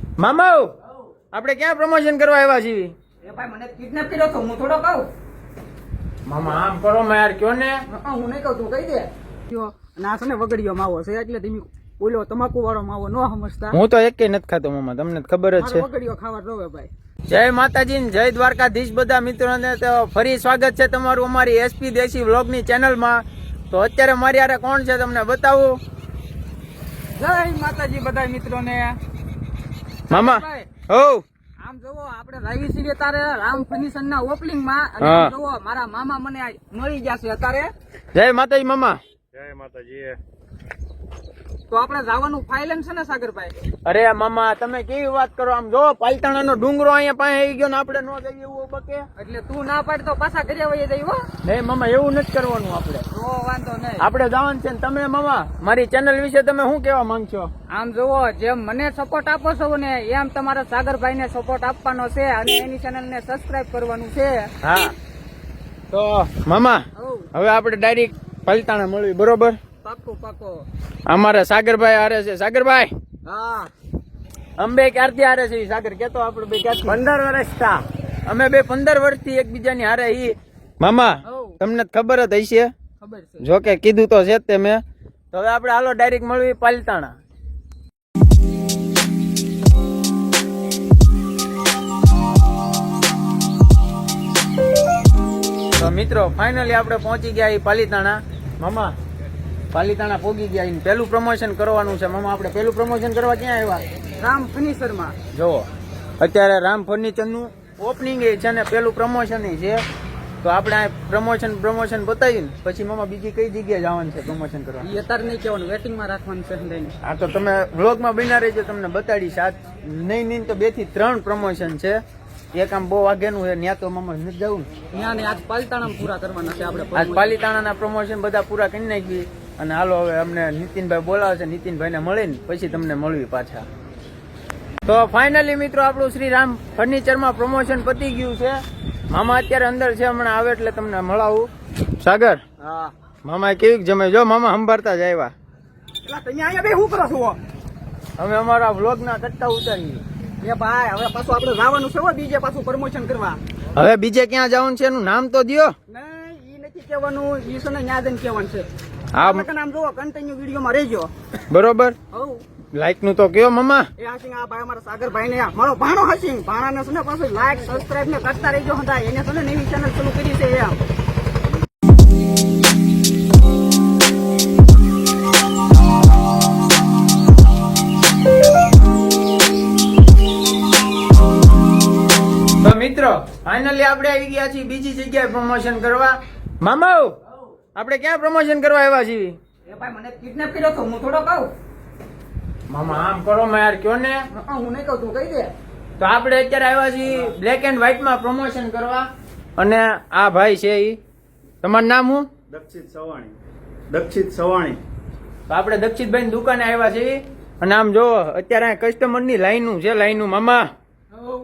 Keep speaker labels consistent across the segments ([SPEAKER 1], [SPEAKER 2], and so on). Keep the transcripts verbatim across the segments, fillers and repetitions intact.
[SPEAKER 1] મામા આપણે ક્યાં પ્રમોશન કરવા આવ્યા છીએ?
[SPEAKER 2] એ ભાઈ મને કિડનેપ કર્યો તો હું થોડો કહું.
[SPEAKER 1] મામા આમ કરો મેં યાર કયો ને.
[SPEAKER 2] હા, હું નહીં કહું, તું કહી દે. કયો ના છે ને વગડીયો માવો છે એટલે તમે ઓલો તમાકુ વાળો માવો ન સમજતા.
[SPEAKER 1] હું તો એકેય નથી ખાતો મામા, તમને ખબર જ છે.
[SPEAKER 2] મારો વગડીયો ખાવા રોવે ભાઈ.
[SPEAKER 1] જય માતાજી ને જય દ્વારકાધીશ બધા મિત્રોને. તો ફરી સ્વાગત છે તમારું અમારી એસપી દેશી વ્લોગની ચેનલમાં. તો અત્યારે મારી હારે કોણ છે તમને બતાવું.
[SPEAKER 2] જય માતાજી બધા મિત્રોને.
[SPEAKER 1] મામા હો
[SPEAKER 2] આમ જોવો આપણે લાવી છીએ તારે રામ ફર્નિચર ના ઓપનિંગ માં અને આમ જોવો મારા મામા મને આ મળી જશે અત્યારે.
[SPEAKER 1] જય માતાજી મામા.
[SPEAKER 3] જય માતાજી.
[SPEAKER 2] તો આપણે જવાનું ફાઇલેન્ડ છે ને સાગરભાઈ?
[SPEAKER 1] અરે મામા તમે કેવી વાત કરો, આમ જો પાલતાણા નો ડુંગરો અહીંયા પાસે આવી ગયો ને આપણે નો જઈએ એવું બકે.
[SPEAKER 2] એટલે તું ના પાડ તો પાછા ઘરે વહી જઈ હો.
[SPEAKER 1] નહીં મામા એવું નથી કરવાનું આપણે.
[SPEAKER 2] તો વાંધો નહીં,
[SPEAKER 1] આપણે જવાનું છે. ને તમે મામા મારી ચેનલ વિશે તમે શું કેવા માંગશો?
[SPEAKER 2] આમ જોવો જેમ મને સપોર્ટ આપો છો ને એમ તમારા સાગરભાઈ ને સપોર્ટ આપવાનો છે અને એની ચેનલ ને સબસ્ક્રાઇબ કરવાનું છે.
[SPEAKER 1] હા તો મામા
[SPEAKER 2] હઉ,
[SPEAKER 1] હવે આપણે ડાયરેક્ટ પાલતાણા મળવી, બરોબર?
[SPEAKER 2] પાક્કો પાક્કો.
[SPEAKER 1] અમારા સાગરભાઈ હારે છે. સાગરભાઈ
[SPEAKER 2] હા,
[SPEAKER 1] અમે ક્યારથી હારે છે? સાગર કેતો આપણે બે ક્યારથી?
[SPEAKER 2] પંદર વર્ષ થા
[SPEAKER 1] અમે બે પંદર વર્ષથી એકબીજાની હારે ઈ. મામા
[SPEAKER 2] હઉ,
[SPEAKER 1] તમને ખબર જ હશે,
[SPEAKER 2] ખબર છે.
[SPEAKER 1] જો કે કીધું તો છે જ તે મેં. તો હવે આપણે હાલો ડાયરેક્ટ મળવી પાલતાણા. તો મિત્રો ફાઇનલી આપણે પહોંચી ગયા ઈ પાલીતાણા. મામા પાલીતાણા પહોંચી ગયા. ઈ પેલું પ્રમોશન કરવાનું છે મામા. આપણે પેલું પ્રમોશન કરવા ક્યાં આવ્યા?
[SPEAKER 2] રામ ફર્નિચર માં.
[SPEAKER 1] જોવો અત્યારે રામ ફર્નિચર નું ઓપનિંગ છે ને પેલું પ્રમોશન છે. તો આપણે આ પ્રમોશન પ્રમોશન બતાવીને પછી મામા બીજી કઈ જગ્યાએ જવાનું છે પ્રમોશન કરવા?
[SPEAKER 2] એ અત્યારે નહીં કહેવાનું, વેટિંગ માં રાખવાનું છે લઈને.
[SPEAKER 1] આ તો તમે વ્લોગમાં બના રહેજો, તમને બતાડીશ. આ નહીં નહીં તો બે થી ત્રણ પ્રમોશન છે. એક આમ બહુ આગેનું છે, ત્યાં તો મામા નથી જવું.
[SPEAKER 2] ત્યાં ને આજ પાલતાણા પૂરા કરવાના છે આપણે.
[SPEAKER 1] આજ પાલીતાણાના પ્રમોશન બધા પૂરા કરી નાખી. અને હાલો હવે અમને નીતિનભાઈ બોલાવે છે, નીતિનભાઈને મળીને પછી તમને મળવી પાછા. તો ફાઇનલી મિત્રો આપણું શ્રી રામ ફર્નિચરમાં પ્રમોશન પતી ગયું છે. મામા અત્યારે અંદર છે, હમણાં આવે એટલે તમને મળાવું. સાગર
[SPEAKER 2] હા,
[SPEAKER 1] મામા કેવી જમે? જો મામા સંભાળતા જ આવ્યા.
[SPEAKER 2] એટલે તમે અહીંયા બે શું કરો છો?
[SPEAKER 1] અમે અમારા વ્લોગ ના કટકા ઉતારીએ.
[SPEAKER 2] એ ભાઈ હવે પાછું આપણે જવાનું છે હો બીજે પાછું પ્રમોશન કરવા.
[SPEAKER 1] હવે બીજે ક્યાં જવાનું છે એનું નામ તો દ્યો.
[SPEAKER 2] નહીં ઈ નથી કહેવાનું, ઈ છે ને ન્યા જઈને કહેવાનું છે.
[SPEAKER 1] હા
[SPEAKER 2] આપણે નામ જોવો, કન્ટિન્યુ વિડીયોમાં રહેજો.
[SPEAKER 1] બરોબર,
[SPEAKER 2] હઉ,
[SPEAKER 1] લાઈક નું તો કયો મામા.
[SPEAKER 2] એ હાસિંગ આ ભાઈ અમારા સાગરભાઈ ને મારો ભાણો હાસિંગ ભાણાને છે ને પાછું લાઈક સબસ્ક્રાઇબ ને કરતા રહેજો. હતા એને છે ને નવી ચેનલ શરૂ કરી છે એમ. તો મિત્રો
[SPEAKER 1] ફાઇનલી આપણે આવી ગયા છીએ બીજી જગ્યાએ પ્રમોશન કરવા. મામા આપણે ક્યાં પ્રમોશન કરવા આવ્યા છીએ?
[SPEAKER 2] એ ભાઈ મને કિડનેપ કર્યો તો હું થોડો કહું.
[SPEAKER 1] મામા આમ કરો મેં યાર કયો ને.
[SPEAKER 2] હા, હું નહીં કહું, તું કહી દે.
[SPEAKER 1] તો આપણે અત્યારે આવ્યા છીએ બ્લેક એન્ડ વ્હાઈટ માં પ્રમોશન કરવા. અને આ ભાઈ છે ઈ, તમારું નામ શું?
[SPEAKER 3] દક્ષિત સવાણી. દક્ષિત સવાણી.
[SPEAKER 1] તો આપણે દક્ષિતભાઈ ની દુકાને આવ્યા છીએ. અને આમ જો અત્યારે કસ્ટમર ની લાઈનું છે, લાઈનું. મામા
[SPEAKER 2] હઉ,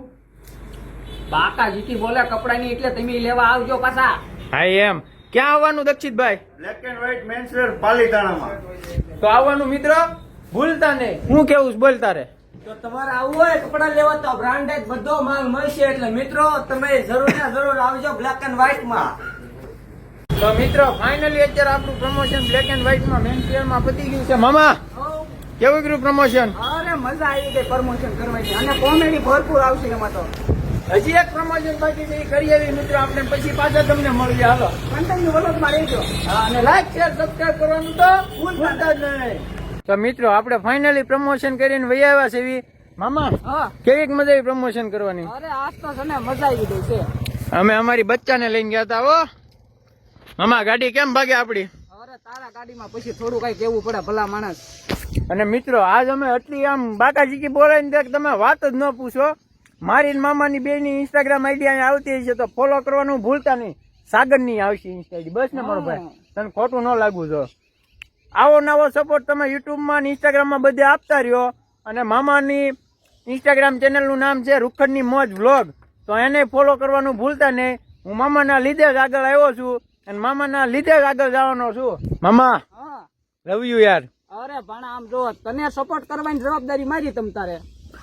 [SPEAKER 2] બાકા જીતી બોલે કપડા ની એટલે તમે લેવા આવજો પાછા.
[SPEAKER 1] હા એમ. ક્યાં આવવાનું દક્ષિતભાઈ?
[SPEAKER 3] બ્લેક એન્ડ વ્હાઈટ મેન્સવેર પાલીતાણામાં.
[SPEAKER 1] તો આવવાનું મિત્ર, ભૂલતા નહીં. હું કેવું છું બોલ તારે.
[SPEAKER 2] તો તમારે આવવું હોય કપડા લેવા તો બ્રાન્ડેડ બધો માલ મળશે. એટલે મિત્રો તમે જરૂર ને જરૂર આવજો બ્લેક એન્ડ વ્હાઈટ માં.
[SPEAKER 1] તો મિત્રો ફાઇનલી અત્યારે આપણું પ્રમોશન બ્લેક એન્ડ વ્હાઈટ માં મેન શેર માં પતી ગયું છે. મામા કેવું કર્યું પ્રમોશન?
[SPEAKER 2] અરે મજા આવી ગઈ પ્રમોશન કરવાની અને કોમેડી ભરપૂર આવશે એમાં. તો
[SPEAKER 1] હજી એક પ્રમોશન બાકી છે, એ કરી આવી મિત્રો. આપણે પછી પાછા તમને મળીએ. હાલો
[SPEAKER 2] કન્ટિન્યુ વલોગમાં રહેજો.
[SPEAKER 1] હા, અને લાઈક શેર સબસ્ક્રાઇબ કરવાનું તો ભૂલતા જ નહીં. તો મિત્રો આપણે ફાઇનલી પ્રમોશન કરીને વહી આવ્યા છે. એવી મામા
[SPEAKER 2] હા,
[SPEAKER 1] કેવીક મજા આવી પ્રમોશન કરવાની?
[SPEAKER 2] અરે આજ તો છે ને મજા આવી ગઈ છે.
[SPEAKER 1] અમે અમારી બચ્ચાને લઈને ગયા હતા. હો મામા ગાડી કેમ ભાગે આપડી?
[SPEAKER 2] અરે તારા ગાડીમાં પછી થોડું કઈ કેવું પડે ભલા માણસ.
[SPEAKER 1] અને મિત્રો આજ અમે એટલી આમ બાકાજીકી બોલાવીને તમે વાત જ ન પૂછો. મારી મામાની બે ની ઇન્સ્ટાગ્રામ આઈડી અહીંયા આવતી હશે તો ફોલો કરવાનું ભૂલતા નહીં. સાગર ની આવશે ઇન્સ્ટા આઈડી. બસ ને મારો ભાઈ, તને ખોટું ન લાગવું જો. આવો નવો સપોર્ટ તમે યુટ્યુબ માં ઇન્સ્ટાગ્રામ માં બધે આપતા રહ્યો. અને મામાની ઇન્સ્ટાગ્રામ ચેનલ નું નામ છે રૂખડની મોજ વ્લોગ. તો એને ફોલો કરવાનું ભૂલતા નહીં. હું મામાના લીધે જ આગળ આવ્યો છું અને મામાના લીધે જ આગળ જવાનો છું. મામા
[SPEAKER 2] હા,
[SPEAKER 1] લવ યુ યાર.
[SPEAKER 2] અરે પણ આમ જો તને સપોર્ટ કરવાની જવાબદારી મારી તમ તારે.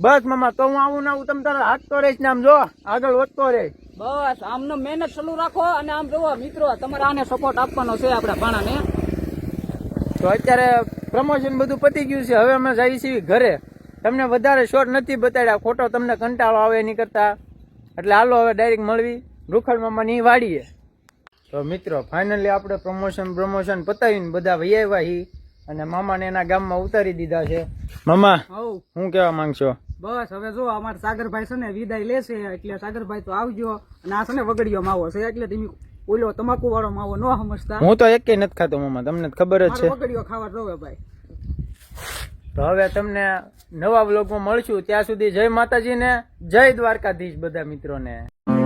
[SPEAKER 1] બસ મામા તો હું આવું ને આવું તમે તારા હાથ તો રહીશ ને આમ જો આગળ વધતો રહે.
[SPEAKER 2] બસ આમનો મહેનત ચાલુ રાખો અને આમ જોવો મિત્રો તમારે આને સપોર્ટ આપવાનો છે આપડા ભાણાને.
[SPEAKER 1] તો અત્યારે પ્રમોશન બધું પતી ગયું છે, હવે અમે જઈએ છીએ ઘરે. તમને વધારે શોર્ટ નથી બતાડ્યા, ખોટો તમને કંટાળો આવે નહીં કરતા, એટલે હાલો હવે ડાયરેક્ટ મળવી રૂખડ મામાની વાડીએ. તો મિત્રો ફાઇનલી આપણે પ્રમોશન પ્રમોશન પતાવીને બધા વહી આવ્યા હી અને મામાને એના ગામમાં ઉતારી દીધા છે. મામા
[SPEAKER 2] હવ
[SPEAKER 1] શું કહેવા માંગશો?
[SPEAKER 2] બસ હવે જો અમારા સાગરભાઈ છે ને વિદાય લેશે એટલે સાગરભાઈ તો આવજો અને આ છે ને વગડીયો માવો છે એટલે તમે ઓલો તમાકુ વાળો માવો ન સમજતા.
[SPEAKER 1] હું તો એકેય નથી ખાતો મામા, તમને તો ખબર જ છે.
[SPEAKER 2] મારે વગડીયો ખાવા જોવે ભાઈ.
[SPEAKER 1] તો હવે તમને નવા વ્લોગમાં મળશું, ત્યાં સુધી જય માતાજી ને જય દ્વારકાધીશ બધા મિત્રોને.